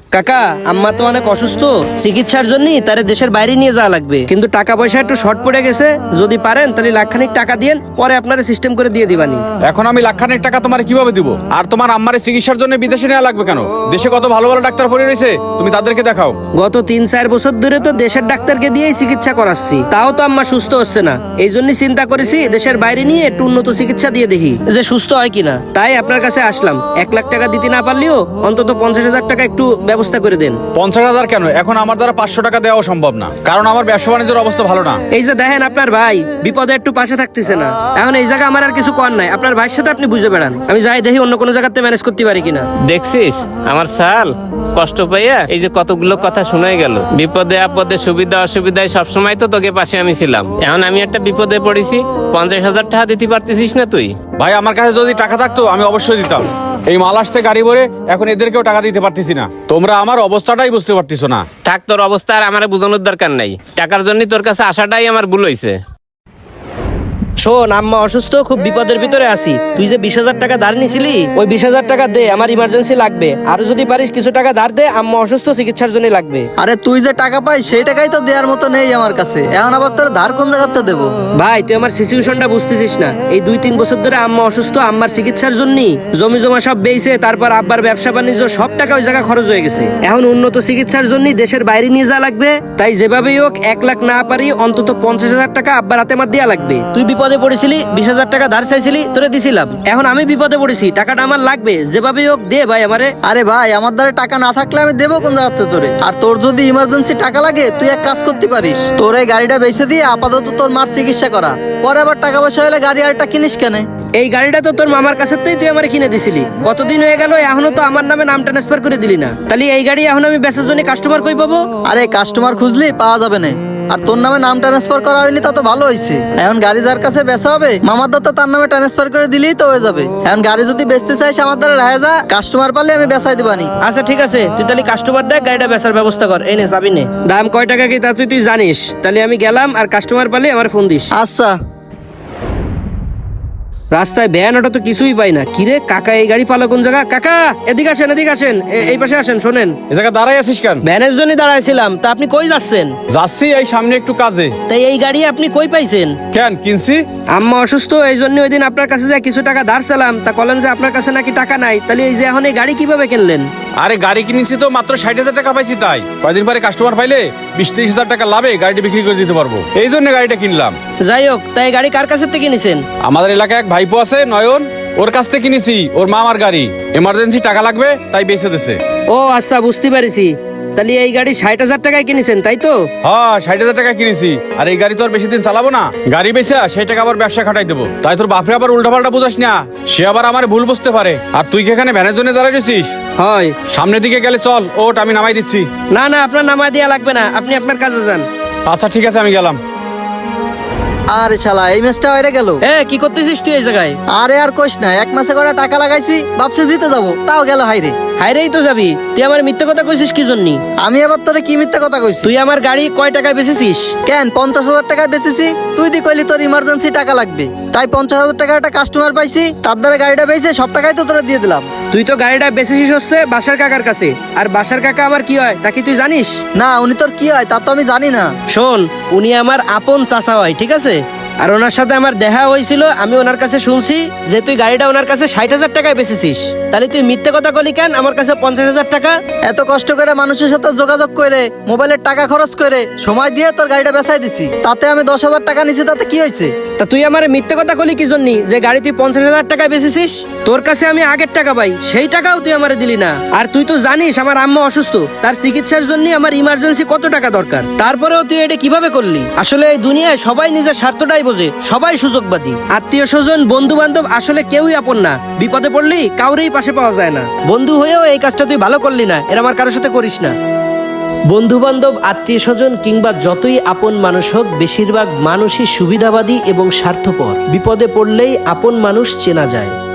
কাকা, আম্মা তো অনেক অসুস্থ, চিকিৎসার জন্য তারে দেশের বাইরে নিয়ে যাওয়া লাগবে, কিন্তু টাকা পয়সা একটু শর্ট পড়ে গেছে। যদি পারেন তাহলে লাখখানিক টাকা দিয়েন, পরে আপনারা সিস্টেম করে দিয়ে দিবানি। এখন আমি লাখখানেক টাকা তোমার কিভাবে দিব? আর তোমার আম্মারে চিকিৎসার জন্য বিদেশে নেওয়া লাগবে কেন? দেশে কত ভালো ভালো ডাক্তার পড়ে রয়েছে, তুমি তাদেরকে দেখাও। গত 3-4 বছর ধরে তো দেশের ডাক্তারকে দিয়েই চিকিৎসা করাচ্ছি, তাও তো আম্মা সুস্থ হচ্ছে না। এই জন্যই চিন্তা করেছি দেশের বাইরে নিয়ে একটু উন্নত চিকিৎসা দিয়ে দেখি যে সুস্থ হয় কিনা। তাই আপনার কাছে আসলাম। 1 লাখ টাকা দিতে না পারলেও অন্তত 50,000 টাকা একটু ব্যবস্থা করে দেন। 50,000 কেন? এখন আমার দ্বারা 500 টাকা দেওয়া সম্ভব না, কারণ আমার ব্যবসা বাণিজ্যের অবস্থা ভালো না। এই যে দেখেন, আপনার ভাই বিপদে একটু পাশে থাকতেছে না। এখন এই জায়গা আমার আর কিছু কর নাই, আপনার ভাইয়ের সাথে আপনি বুঝে বেড়ান। আমি যাই দেখি অন্য কোনো জায়গাতে ম্যানেজ করতে পারি কিনা। দেখছিস আমার সাল কষ্ট পাইয়া এই যে কতগুলো কথা শোনাই গেল। বিপদে আপদে সুবিধা অসুবিধায় সবসময় তো তোকে পাশে আমি ছিলাম। এখন আমি একটা বিপদে পড়েছি, 50,000 টাকা দিতে পারতেছিস না তুই? ভাই, আমার কাছে যদি টাকা থাকতো আমি অবশ্যই দিতাম। এই মাল আসছে গাড়ি ভরে, এখন এদেরকেও টাকা দিতে পারতেছি না। তোমরা আমার অবস্থাটাই বুঝতে পারতেছো না। থাক, তোর অবস্থা আর আমার বোঝানোর দরকার নাই। টাকার জন্য তোর কাছে আসাটাই আমার ভুল হয়েছে। শোন, আম্মা অসুস্থ, খুব বিপদের ভিতরে আছি। তুই যে 20,000 টাকা ধার নিছিলি, ওই 20,000 টাকা দে, আমার ইমার্জেন্সি লাগবে। আর যদি পারিস কিছু টাকা ধার দে, আম্মা অসুস্থ, চিকিৎসার জন্য লাগবে। আরে তুই যে টাকা পাই সেই টাকাই তো দেওয়ার মতো নেই আমার কাছে, এখন আবার তোর ধার কোন জায়গাতে দেবো? ভাই, তুই আমার সিচুয়েশনটা বুঝতেছিস না। এই 2-3 বছর ধরে আম্মা অসুস্থ, আম্মার চিকিৎসার জন্য জমি জমা সব বেইছে, তারপর আব্বার ব্যবসা বাণিজ্য সব টাকা ওই জায়গা খরচ হয়ে গেছে। এখন উন্নত চিকিৎসার জন্য দেশের বাইরে নিয়ে যাওয়া লাগবে। তাই যেভাবেই হোক 1 লাখ না পারি অন্তত 50,000 টাকা আব্বার হাতে আমার দেওয়া লাগবে। তুই বিপদে পড়েছিলি, 20,000 টাকা ধার চাইছিলি, তোরে দিছিলাম। এখন আমি বিপদে পড়েছি, টাকাটা আমার লাগবে, যেভাবেই হোক দে ভাই আমারে। আরে ভাই, আমার দ্বারা টাকা না থাকলে আমি দেবো কোন জায়গাতে তোরে? আর তোর যদি ইমার্জেন্সি টাকা লাগে তুই এক কাজ করতে পারিস, তোর এই গাড়িটা বেচে দিয়ে আপাতত তোর মার চিকিৎসা করা, পরে আবার টাকা পয়সা হলে গাড়ি আরেকটা কিনিস কেন? এই গাড়িটা তো তোর মামার কাছে তুই আমার কিনে দিছিলি। কতদিন হয়ে গেল, এখনো তো আমার নামে নাম ট্রান্সফার করে দিলি না। তাহলে এই গাড়ি এখন আমি বেচার জন্য কাস্টমার কই পাবো? আরে কাস্টমার খুঁজলি পাওয়া যাবে না, আর তোর নামে নাম ট্রান্সফার করা হয়নি, তা তো ভালো হয়েছে। এখন গাড়ি যার কাছে বেচা হবে, মামার দত্ত তার নামে ট্রান্সফার করে দিলেই তো হয়ে যাবে। এখন গাড়ি যদি বেচতে চাইস আমার দ্বারা রায় যা, কাস্টমার পারলে আমি বেচাই দিবানি। আচ্ছা ঠিক আছে, তুই তাহলে কাস্টমার দেখ, গাড়িটা বেচার ব্যবস্থা কর। এই নে চাবি নে। দাম কয় টাকা কি তা তুই জানিস? তাহলে আমি গেলাম, আর কাস্টমার পালে আমার ফোন দিস। আচ্ছা। রাস্তায় ভ্যান অটো তো কিছুই পাই না। কিরে কাকা, এই গাড়ি পালো কোন জায়গা? কাকা এদিকে আসেন, এদিকে আসেন, এই পাশে আসেন। শোনেন, এ জায়গায় দাঁড়াই আছিস কেন? ভ্যানের জন্য দাঁড়াইছিলাম। তা আপনি কই যাচ্ছেন? যাচ্ছি এই সামনে একটু কাজে। তাই এই গাড়ি আপনি কই পাইছেন? কেন কিনছি? আম্মা অসুস্থ, এই জন্য ওই দিন আপনার কাছে যে কিছু টাকা ধার চালাম, তা বলেন যে আপনার কাছে নাকি টাকা নাই। তাহলে এই যে এখন এই গাড়ি কিভাবে কিনলেন? আরে গাড়ি কিনেছি তো মাত্র 60,000 টাকা পাইছি, তাই কয়দিন পরে কাস্টমার পাইলে 20-30,000 টাকা লাভে গাড়িটি বিক্রি করে দিতে পারবো, এই জন্য গাড়িটা কিনলাম। যাই হোক, তাই গাড়ি কার কাছে থেকে কিনেছেন? আমাদের এলাকায় এক ভাইপো আছে নয়ন, ওর কাছ থেকে কিনেছি। ওর মামার গাড়ি, এমার্জেন্সি টাকা লাগবে তাই বেচে দিছে। ও আচ্ছা, বুঝতে পারিছি। তাহলে এই গাড়ি 60,000 টাকায় কিনেছেন, তাই তো? হ্যাঁ, 60,000 টাকা কিনেছি। আর এই গাড়ি তো আর বেশি দিন চালাবো না, গাড়ি বেচা সেই টাকা আবার ব্যবসা খাটাই দেবো। তাই তোর বাপরে আবার উল্টাপাল্টা বুঝাস না, সে আবার আমার ভুল বুঝতে পারে। আর তুই কি এখানে ভ্যানের জন্য দাঁড়ায় রয়েছিস? হয়। সামনের দিকে গেলে চল, ওট আমি নামাই দিচ্ছি। না না, আপনার নামায় দেওয়া লাগবে না, আপনি আপনার কাজে যান। আচ্ছা ঠিক আছে, আমি গেলাম। আরে শালা, এই ম্যাচটা হয়ে গেল। কি করতেছিস তুই এই জায়গায়? আরে আর কোশ না, 1 মাসে করে টাকা লাগাইছি, ভাবছি দিতে যাবো, তাও গেল হাইরে। হাইরেই তো যাবি? তুই আমার মিথ্যে কথা কইছিস কি জন্য? আমি আবার তোরে কি মিথ্যা কথা কইছি? তুই আমার গাড়ি কয় টাকায় বেচেছিস? কেন 50,000 টাকায় বেচেছি? তুই দি কইলি তোর ইমার্জেন্সি টাকা লাগবে, তাই 50,000 টাকার একটা কাস্টমার পাইছি, তার দ্বারা গাড়িটা বেচে সব টাকাই তো তোরে দিয়ে দিলাম। তুই তো গাড়িটা বেচেছিস হচ্ছে বাসার কাকার কাছে, আর বাসার কাকা আমার কি হয় তা কি তুই জানিস? না, উনি তোর কি হয় তা তো আমি জানি না। শোন, উনি আমার আপন চাচা হয়, ঠিক আছে? আর ওনার সাথে আমার দেখা হয়েছিল, আমি ওনার কাছে শুনছি যে তুই গাড়িটা ওনার কাছে 60,000 টাকায় বেচেছিস। তাহলে তুই মিথ্যে কথা বলি কেন আমার কাছে 50,000 টাকা? এত কষ্ট করে মানুষের সাথে যোগাযোগ করে, মোবাইলের টাকা খরচ করে, সময় দিয়ে তোর গাড়িটা বেচাই দিছি, তাতে আমি 10,000 টাকা নিছি, তাতে কি হয়েছে? তা তুই আমার মিথ্যে কথা কলি কি জন্য যে গাড়ি তুই 50,000 টাকায় বেচেছিস? তোর কাছে আমি আগের টাকা পাই, সেই টাকাও তুই আমারে দিলি না। আর তুই তো জানিস আমার আম্মা অসুস্থ, তার চিকিৎসার জন্য আমার ইমার্জেন্সি কত টাকা দরকার। তারপরেও তুই এটা কিভাবে করলি? আসলে এই দুনিয়ায় সবাই নিজের স্বার্থটাই বোঝে, সবাই সুযোগবাদী। আত্মীয় স্বজন বন্ধু বান্ধব আসলে কেউই আপন না। বিপদে পড়লি কাউরেই পাশে পাওয়া যায় না। বন্ধু হয়েও এই কাজটা তুই ভালো করলি না, এর আমার কারোর সাথে করিস না। বন্ধু বান্ধব আত্মীয় স্বজন কিংবা যতই আপন মানুষ হোক, বেশিরভাগ মানুষই সুবিধাবাদী এবং স্বার্থপর। বিপদে পড়লেই আপন মানুষ চেনা যায়।